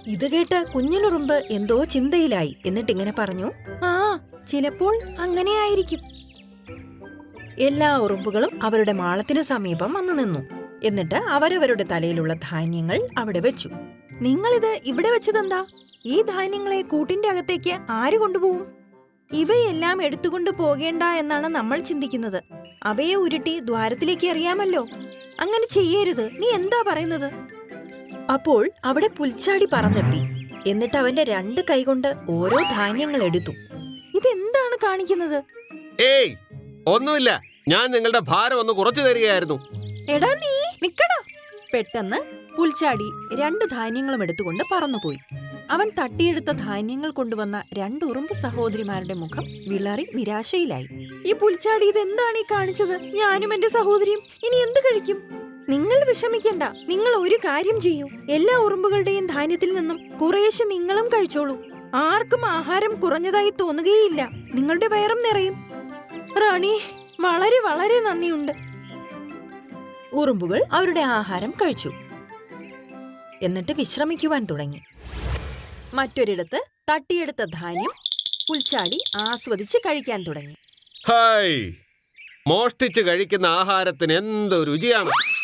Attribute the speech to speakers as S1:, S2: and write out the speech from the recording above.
S1: ഇത് കേട്ട് കുഞ്ഞിനുറുമ്പ് എന്തോ ചിന്തയിലായി. എന്നിട്ടിങ്ങനെ പറഞ്ഞു, ആ ചിലപ്പോൾ അങ്ങനെയായിരിക്കും. എല്ലാ ഉറുമ്പുകളും അവരുടെ മാളത്തിനു സമീപം വന്നു നിന്നു. എന്നിട്ട് അവരവരുടെ തലയിലുള്ള ധാന്യങ്ങൾ അവിടെ വെച്ചു. നിങ്ങളിത് ഇവിടെ വെച്ചതെന്താ? ഈ ധാന്യങ്ങളെ കൂട്ടിന്റെ അകത്തേക്ക് ആര് കൊണ്ടുപോകും? ഇവയെല്ലാം എടുത്തുകൊണ്ട് പോകേണ്ട എന്നാണ് നമ്മൾ ചിന്തിക്കുന്നത്. അവയെ ഉരുട്ടി ദ്വാരത്തിലേക്ക് എറിയാമല്ലോ. അങ്ങനെ ചെയ്യരുത്. നീ എന്താ പറയുന്നത്? അപ്പോൾ അവിടെ പുൽച്ചാടി പറന്നെത്തി. എന്നിട്ട് അവന്റെ 2 കൈകൊണ്ട് ഓരോ ധാന്യങ്ങൾ എടുത്തു. ഇതെന്താണ് കാണിക്കുന്നത്?
S2: ഏയ്, ഒന്നുമില്ല. ഞാൻ നിങ്ങളുടെ ഭാരം ഒന്ന് കുറച്ചു തരികയായിരുന്നു.
S1: എടാ നീ നിക്കടാ. പെട്ടെന്ന് പുൽച്ചാടി 2 ധാന്യങ്ങളും എടുത്തുകൊണ്ട് പറന്നുപോയി. അവൻ തട്ടിയെടുത്ത ധാന്യങ്ങൾ കൊണ്ടുവന്ന 2 ഉറുമ്പ് സഹോദരിമാരുടെ മുഖം വിളറി നിരാശയിലായി. ഈ പുൽച്ചാടി ഇതെന്താണ് ഈ കാണിച്ചത്? ഞാനും എന്റെ സഹോദരിയും ഇനി എന്ത് കഴിക്കും? നിങ്ങൾ വിഷമിക്കണ്ട. നിങ്ങൾ ഒരു കാര്യം ചെയ്യൂ. എല്ലാ ഉറുമ്പുകളുടെയും ധാന്യത്തിൽ നിന്നും കുറേശ്ശെ നിങ്ങളും കഴിച്ചോളൂ. ആർക്കും ആഹാരം കുറഞ്ഞതായി തോന്നുകയില്ല. നിങ്ങളുടെ വയറും നിറയും. റാണി, വളരെ വളരെ നന്ദിയുണ്ട്. ഉറുമ്പുകൾ അവരുടെ ആഹാരം കഴിച്ചു. എന്നിട്ട് വിശ്രമിക്കുവാൻ തുടങ്ങി. മറ്റൊരിടത്ത് തട്ടിയെടുത്ത ധാന്യം പുൽച്ചാടി ആസ്വദിച്ച് കഴിക്കാൻ തുടങ്ങി.
S2: ഹായ്, മോഷ്ടിച്ച് കഴിക്കുന്ന ആഹാരത്തിന് എന്ത് രുചിയാണ്!